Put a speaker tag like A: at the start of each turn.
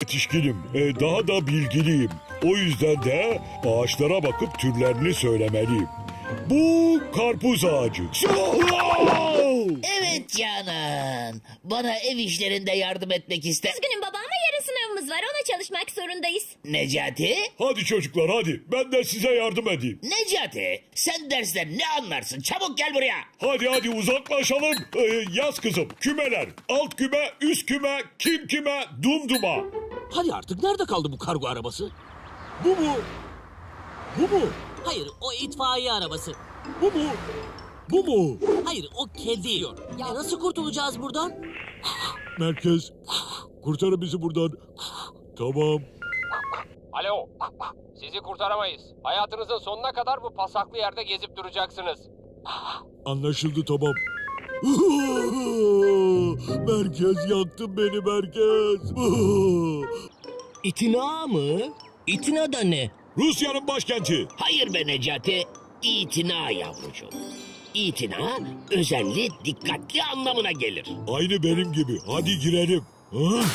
A: yetişkinim, daha da bilgiliyim. O yüzden de ağaçlara bakıp türlerini söylemeliyim. Bu karpuz ağacı.
B: Evet Canan. Bana ev işlerinde yardım etmek ister.
C: Üzgünüm baba ama yarın sınavımız var. Ona çalışmak zorundayız.
B: Necati?
A: Hadi çocuklar hadi, ben de size yardım edeyim.
B: Necati, sen dersten ne anlarsın? Çabuk gel buraya.
A: Hadi uzaklaşalım. Yaz kızım, kümeler. Alt küme, üst küme, kim kime, dumduma.
D: Hadi artık nerede kaldı bu kargo arabası?
A: Bu mu? Bu mu?
D: Hayır, o itfaiye arabası.
A: Bu mu? Bu mu?
D: Hayır, o kedi. Ya nasıl kurtulacağız buradan?
A: Merkez, kurtarın bizi buradan. Tamam.
E: Alo, sizi kurtaramayız. Hayatınızın sonuna kadar bu pasaklı yerde gezip duracaksınız.
A: Anlaşıldı tamam. Merkez yaktın beni merkez.
D: İtina mı? İtina da ne?
A: Rusya'nın başkenti.
B: Hayır be Necati. İtina yavrucuğum. İtina, özenli, dikkatli anlamına gelir.
A: Aynı benim gibi. Hadi girelim.